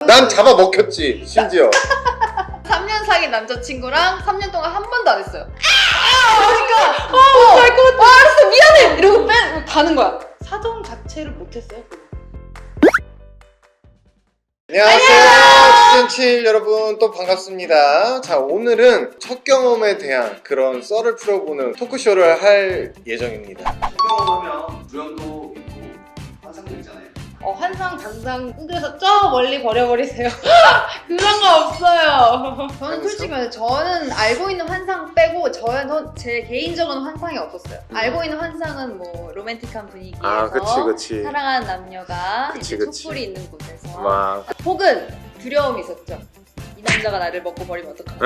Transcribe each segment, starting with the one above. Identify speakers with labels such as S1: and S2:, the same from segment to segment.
S1: 난 잡아먹혔지 심지어.
S2: 3년 사귄 남자친구랑 3년 동안 한 번도 안 했어요.
S3: 그러니까
S2: 알것 같아. 알았어 미안해 이러고 가는 거야.
S3: 사정 자체를 못했어요.
S1: 안녕하세요 시즌7 여러분, 또 반갑습니다. 자, 오늘은 첫 경험에 대한 그런 썰을 풀어보는 토크쇼를 할 예정입니다.
S4: 첫 경험하면 무연도 있고 환상도 있잖아요.
S3: 환상 당장 흔들어서 저 멀리 버려버리세요. 그런 거 없어요.
S2: 저는 솔직히 말해서 저는 알고 있는 환상 빼고 저는 제 개인적인 환상이 없었어요. 알고 있는 환상은 뭐 로맨틱한 분위기에서
S1: 그치.
S2: 사랑하는 남녀가
S1: 그치,
S2: 이제
S1: 그치.
S2: 촛불이 있는 곳에서
S1: 막
S2: 혹은 두려움이 있었죠. 이 남자가 나를 먹고 버리면 어떡하나.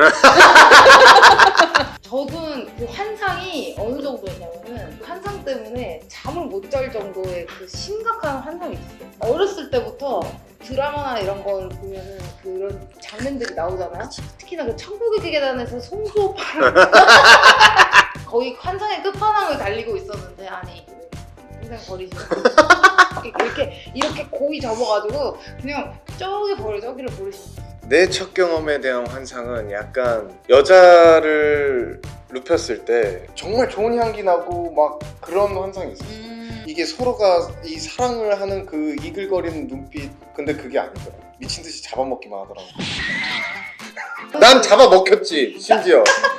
S3: 저는 그 환상이 어느 정도였냐면은 그 환상 때문에 잠을 못 잘 정도의 그 심각한 환상이 있었어요. 어렸을 때부터 드라마나 이런 걸 보면은 그런 장면들이 나오잖아요. 특히나 그 천국의 계단에서 송수 오빠를 거의 환상의 끝판왕을 달리고 있었는데 아니 그냥 버리지 이렇게 고이 접어가지고 그냥 저기를 버리시면
S1: 내 첫 경험에 대한 환상은 약간 여자를 눕혔을 때 정말 좋은 향기 나고 막 그런 환상이 있었어. 이게 서로가 이 사랑을 하는 그 이글거리는 눈빛, 근데 그게 아니더라. 미친 듯이 잡아먹기만 하더라고. 난 잡아먹혔지 심지어.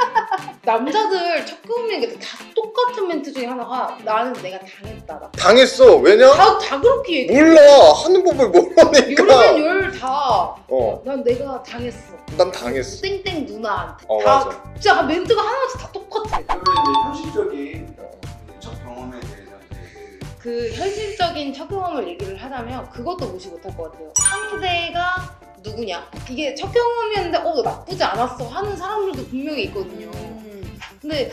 S3: 남자들 첫 경험인 게 다 똑같은 멘트 중에 하나가 나는 내가 당했다.
S1: 당했어. 왜냐?
S3: 다 그렇게 얘기해.
S1: 몰라. 하는 법을 모르니까.
S3: 열면 열 다.
S1: 어,
S3: 난 내가 당했어.
S1: 난 당했어.
S3: 땡땡 누나한테.
S1: 맞아.
S3: 진짜 멘트가 하나씩 다 똑같아.
S4: 그러면 이제 현실적인 첫 경험에 대해서 이제
S3: 그 현실적인 첫 경험을 얘기를 하자면 그것도 무시 못할 것 같아요. 상대가 누구냐. 이게 첫 경험이었는데 나쁘지 않았어 하는 사람들도 분명히 있거든요. 근데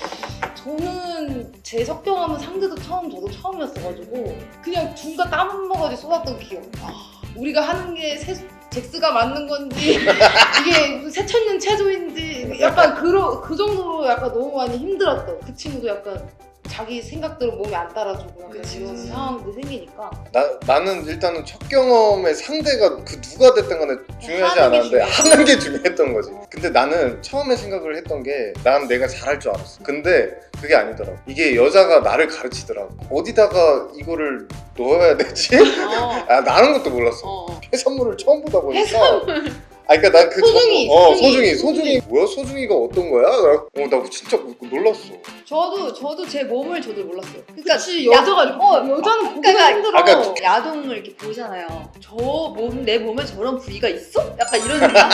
S3: 저는 제 첫 경험은 상대도 처음 저도 처음이었어가지고 그냥 둘 다 땀 한 모가지 쏟았던 기억. 우리가 하는 게 잭스가 맞는 건지 이게 무슨 새천년 체조인지 약간 그 정도로 약간 너무 많이 힘들었던. 그 친구도 약간 자기 생각대로 몸이 안 따라주고 약간 이런 상황도 생기니까.
S1: 나는 일단은 첫 경험의 상대가 그 누가 됐든 간에 중요하지
S3: 하는 게
S1: 않았는데 하는 게 중요했던 거지. 근데 나는 처음에 생각을 했던 게 난 내가 잘할 줄 알았어. 근데 그게 아니더라고. 이게 여자가 나를 가르치더라고. 어디다가 이거를 넣어야 되지? 나는 것도 몰랐어. 해산물을 처음 보다 보니까. 그러니까 난 그 소중이 뭐야? 소중이가 어떤 거야? 나 진짜 놀랐어.
S2: 저도 제 몸을 저도 몰랐어요. 그러니까
S3: 그치, 여자는 보기가 힘들어.
S2: 야동을 이렇게 보잖아요. 내 몸에 저런 부위가 있어? 약간 이런 생각.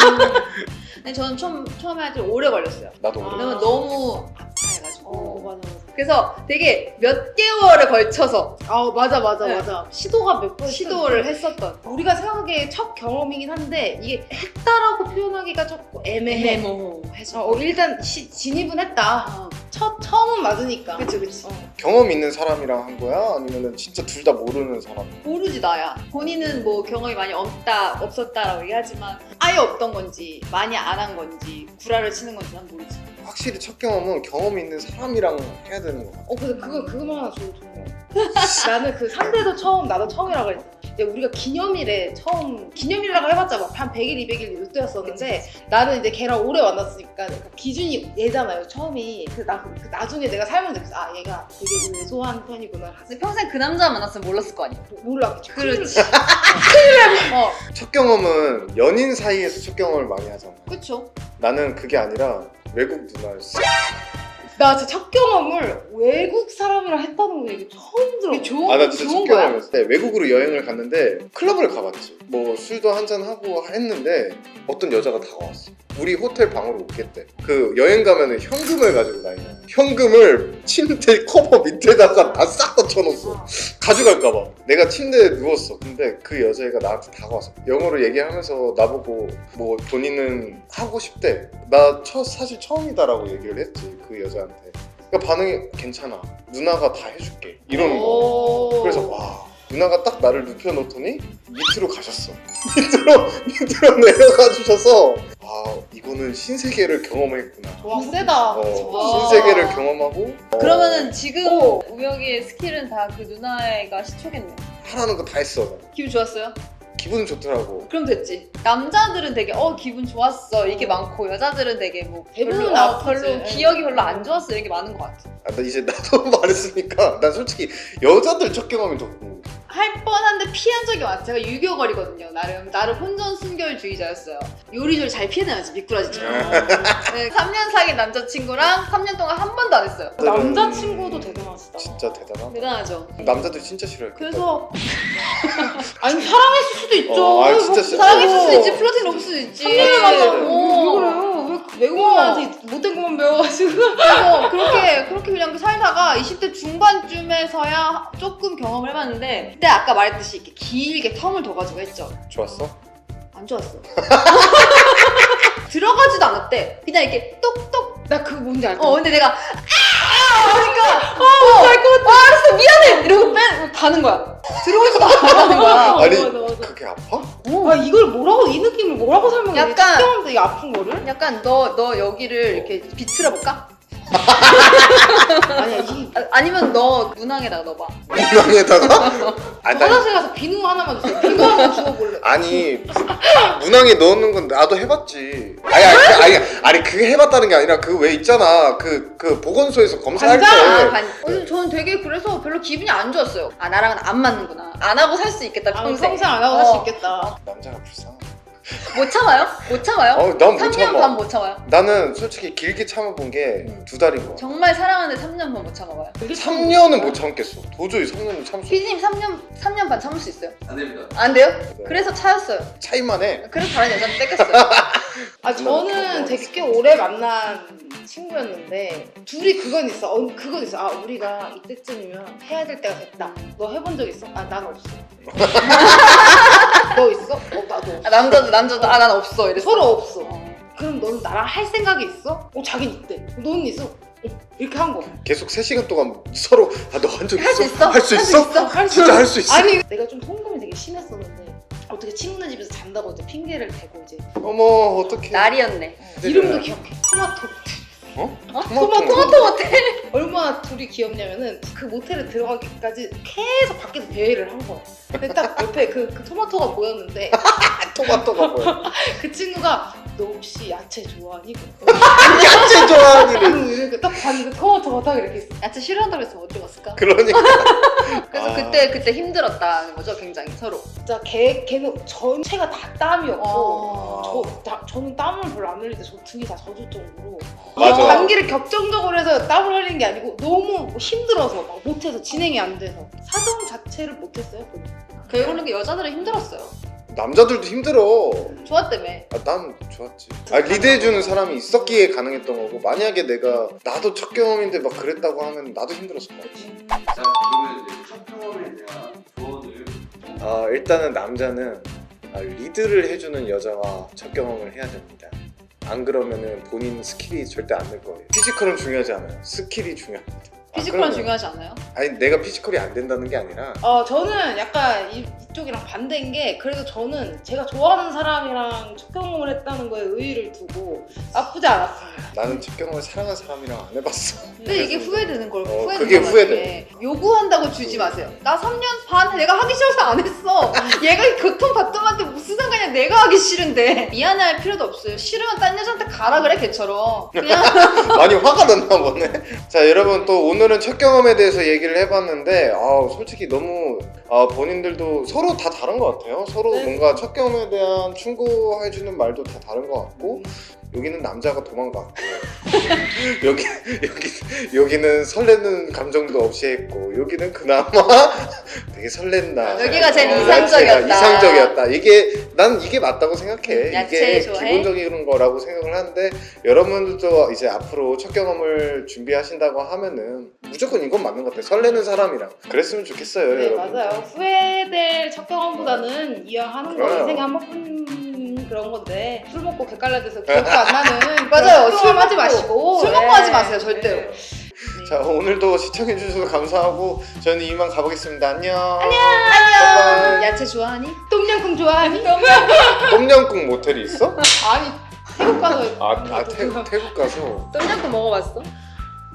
S2: 근데 저는 처음에 할 때 오래 걸렸어요.
S1: 나도 오래.
S2: 왜냐면 너무 아파해가지고.
S3: 맞아.
S2: 그래서 되게 몇 개월에 걸쳐서
S3: 맞아.
S2: 네.
S3: 시도가 몇 번
S2: 시도를 했었던.
S3: 우리가 생각하기에 첫 경험이긴 한데 이게 했다라고 표현하기가 조금 애매해.
S2: 해서.
S3: 일단 진입은 했다. 처음은 맞으니까.
S2: 그치.
S1: 경험 있는 사람이랑 한 거야? 아니면은 진짜 둘 다 모르는 사람?
S2: 모르지 나야. 본인은 뭐 경험이 많이 없었다라고 얘기하지만 아예 없던 건지 많이 안 한 건지 구라를 치는 건지 난 모르지.
S1: 확실히 첫 경험은 경험 있는 사람이랑 해야 되는 거 같아.
S3: 근데 그거만 하나 좋은 나는 그 상대도 처음, 나도 처음이라고 했잖아. 우리가 기념일이라고 해봤자 막 한 100일, 200일 이때였었는데 나는 이제 걔랑 오래 만났으니까 기준이 얘잖아요, 처음이. 나중에 내가 살면서 느꼈어. 얘가 되게 왜소한 편이구나.
S2: 근데 평생 그 남자 만났으면 몰랐을 거 아니야.
S3: 몰라.
S2: 그렇지.
S1: 첫 경험은 연인 사이에서 첫 경험을 많이 하잖아.
S2: 그쵸.
S1: 나는 그게 아니라 외국 누나였어.
S3: 나 진짜 첫 경험을 외국 사람이랑 했다는 거 이게 처음 들어.
S1: 나 진짜 첫 경험이었어. 외국으로 여행을 갔는데 클럽을 가봤지. 뭐 술도 한잔하고 했는데 어떤 여자가 다가왔어. 우리 호텔 방으로 오겠대. 그 여행 가면은 현금을 가지고 다녀. 현금을 침대 커버 밑에다가 다 싹 다 쳐놓았어. 가져갈까봐. 내가 침대에 누웠어. 근데 그 여자애가 나한테 다가왔어. 영어로 얘기하면서 나보고 뭐 본인은 하고 싶대. 나 사실 처음이다라고 얘기를 했지, 그 여자한테. 그러니까 반응이 괜찮아. 누나가 다 해줄게. 이러는 거. 그래서 누나가 딱 나를 눕혀놓더니 밑으로 가셨어. 밑으로 내려가 주셔서 이거는 신세계를 경험했구나.
S3: 와, 세다.
S1: 신세계를 경험하고.
S2: 그러면은 지금 우혁이의 스킬은 다 그 누나애가 시초겠네.
S1: 하라는 거 다 했어.
S2: 기분 좋았어요?
S1: 기분 좋더라고.
S2: 그럼 됐지. 남자들은 되게 기분 좋았어 이게 많고 여자들은 되게 뭐
S3: 대부분
S2: 별로,
S3: 아프지.
S2: 별로 기억이 별로 안 좋았어 이런 게 많은 것 같아.
S1: 나 이제 나도 말했으니까 난 솔직히 여자들 첫 경험이 더 궁금해.
S2: 할 뻔한데 피한 적이 많았어요. 제가 유교거리거든요. 나름 혼전순결주의자였어요. 요리조리 잘 피해내야지 미꾸라지처럼. 네, 3년 사귄 남자친구랑 3년 동안 한 번도 안 했어요.
S3: 남자친구도 대단하시다.
S1: 진짜 대단하다.
S2: 대단하죠.
S1: 남자들 진짜 싫어해.
S2: 그래서
S3: 아니 사랑했을 수도 있죠.
S1: 아니, 진짜 싫어.
S2: 사랑했을 수도 있지 플러팅 없을 수도 있지.
S3: 3년을 만나고
S2: 어.
S3: 왜 그래요? 왜 외국인한테 못된 것만 배워가지고.
S2: 그래서 그렇게 그냥 살다가 20대 중반쯤에서야 조금 경험을 해봤는데 그때 아까 말했듯이 이렇게 길게 텀을 둬가지고 했죠.
S1: 좋았어?
S2: 안 좋았어. 들어가지도 않았대. 그냥 이렇게 똑똑.
S3: 나 그거 뭔지 알것 같아.
S2: 근데 내가 그러니까 알았어 미안해 이러고 가는 거야. 들어오지도 않았다는 거야.
S1: 아니
S3: 맞아.
S1: 그게 아파?
S3: 아 이걸 뭐라고 이 느낌을 뭐라고 설명해?
S2: 약간-
S3: 특정한데 이 아픈 거를?
S2: 약간 너 여기를 이렇게 비틀어 볼까?
S3: 아니야 이
S2: 아니면 너 문항에다가 넣어봐.
S1: 문항에다가? 아니, 난-
S3: 화장실 가서 비누 하나만 주세요. 비누 하나 주워볼래.
S1: 아니 문항에 넣는 건 나도 해봤지. 아니 그게 해봤다는 게 아니라 그 왜 있잖아 그 보건소에서 검사할 때.
S2: 저는 되게 그래서 별로 기분이 안 좋았어요. 아 나랑은 안 맞는구나. 안 하고 살 수 있겠다 평생.
S3: 평생 안 하고 살 수 있겠다.
S1: 남자가 불쌍해.
S2: 못 참아요? 못 참아요?
S1: 난 못
S2: 3년
S1: 참아.
S2: 반 못 참아요.
S1: 나는 솔직히 길게 참아본 게 2달인 거야.
S2: 정말 사랑하는데 3년 반 못 참아봐요.
S1: 3년은 못 참겠어. 도저히 3년은 참수.
S2: 피디님 3년 반 참을 수 있어요?
S4: 안 됩니다.
S2: 안 돼요? 그래서 차였어요.
S1: 차이만 해.
S2: 그래서 다른 여자한테 뺏겼어요.
S3: 아 저는 되게 꽤 오래 만난 친구였는데 둘이 그건 있어. 그건 있어. 아 우리가 이때쯤이면 해야 될 때가 됐다. 너 해본 적 있어? 아 난 없어. 너 있어? 나도 없어.
S2: 남자도 난 없어 이래서.
S3: 서로 없어. 그럼 너는 나랑 할 생각이 있어? 자긴 있대. 너는 있어? 이렇게 한 거.
S1: 계속 3시간 동안 서로 너 한 적 있어?
S2: 할 수 있어?
S1: 할 수
S2: 할 수
S1: 있어?
S2: 있어?
S3: 할 수
S1: 진짜 할 수 있어?
S3: 아니 내가 좀 통금이 되게 심했었는데 어떻게 친구네 집에서 잔다고 이제 핑계를 대고 이제
S1: 어머 어떡해.
S2: 날이었네.
S3: 이름도 기억해. 토마토.
S1: 토마토
S2: 모텔.
S3: 얼마나 둘이 귀엽냐면은 그 모텔에 들어가기까지 계속 밖에서 대회를 한 거야. 근데 딱 옆에 그 토마토가 보였는데
S1: 토마토가 뭐야?
S3: 그 친구가 너 혹시 야채 좋아하니?
S1: 야채 좋아하니는.
S3: 이렇게 딱 봤는데 토마토가 딱 이렇게 있어.
S2: 야채 싫어한다고 했으면 못 들어갔을까?
S1: 그러니까.
S2: 그래서
S1: 아.
S2: 그때 힘들었다는 거죠, 굉장히 서로.
S3: 진짜 걔는 전체가 다 땀이었고
S1: 아.
S3: 저는 땀을 별로 안 흘리는데 저 등이 다 젖을 정도로
S1: 맞아.
S3: 감기를 격정적으로 해서 땀을 흘리는 게 아니고 너무 힘들어서 막 못해서 진행이 안 돼서 사정 자체를 못했어요.
S2: 결국은 여자들은 힘들었어요.
S1: 남자들도 힘들어.
S2: 좋았다며.
S1: 난 좋았지. 리드해주는 사람이 있었기에 가능했던 거고, 만약에 나도 첫 경험인데 막 그랬다고 하면 나도 힘들었을 것 같아.
S4: 자 그러면 이제 첫 경험에 대한 조언을.
S1: 일단은 남자는 리드를 해주는 여자와 첫 경험을 해야 됩니다. 안 그러면은 본인 스킬이 절대 안 늘 거예요. 피지컬은 중요하지 않아요. 스킬이 중요합니다.
S2: 피지컬은
S1: 그러면-
S2: 중요하지 않아요?
S1: 아니 내가 피지컬이 안 된다는 게 아니라
S3: 저는 약간 이쪽이랑 반대인 게 그래도 저는 제가 좋아하는 사람이랑 첫 경험을 했다는 거에 의의를 두고 나쁘지 않았습니다.
S1: 나는 첫 경험을 사랑한 사람이랑 안 해봤어.
S2: 근데 이게 후회되는 걸
S1: 그게 후회돼.
S2: 요구한다고 주지 마세요. 나 3년 반 내가 하기 싫어서 안 했어. 얘가 고통받던한테 무슨 상관이야. 내가 하기 싫은데. 미안해할 필요도 없어요. 싫으면 딴 여자한테 가라 그래 걔처럼. 그냥
S1: 많이 화가 났나 보네. 자 여러분 또 오늘은 첫 경험에 대해서 얘기를 해봤는데 솔직히 너무 본인들도 서로 다 다른 것 같아요. 서로
S3: 네.
S1: 뭔가 첫 경험에 대한 충고해주는 말도 다 다른 것 같고 여기는 남자가 도망갔고 여기는 설레는 감정도 없이 했고 여기는 그나마 되게 설렜나.
S2: 여기가 제일
S1: 야채가
S2: 이상적이었다.
S1: 이상적이었다. 난 이게 맞다고 생각해.
S2: 야채
S1: 이게
S2: 좋아해?
S1: 기본적인 거라고 생각을 하는데 여러분들도 이제 앞으로 첫 경험을 준비하신다고 하면은 무조건 이건 맞는 것 같아. 설레는 사람이랑 그랬으면 좋겠어요.
S3: 네
S1: 여러분.
S3: 맞아요. 후회될 첫 경험보다는 이왕하는 거
S1: 그래요.
S3: 인생에 한 번뿐 그런 건데 술 먹고 객갈라져서 기억도 안 나는
S2: 맞아요.
S3: 술 하지 마시고
S2: 술 먹고 하지 마세요, 절대로.
S3: 네.
S1: 자 오늘도 시청해주셔서 감사하고 저는 이만 가보겠습니다. 안녕.
S2: 안녕. 야채 좋아하니?
S3: 똠양꿍 좋아하니?
S1: 똠양꿍 모텔이 있어?
S3: 아니 태국 가서
S1: 태국 가서
S2: 똠양꿍 먹어봤어?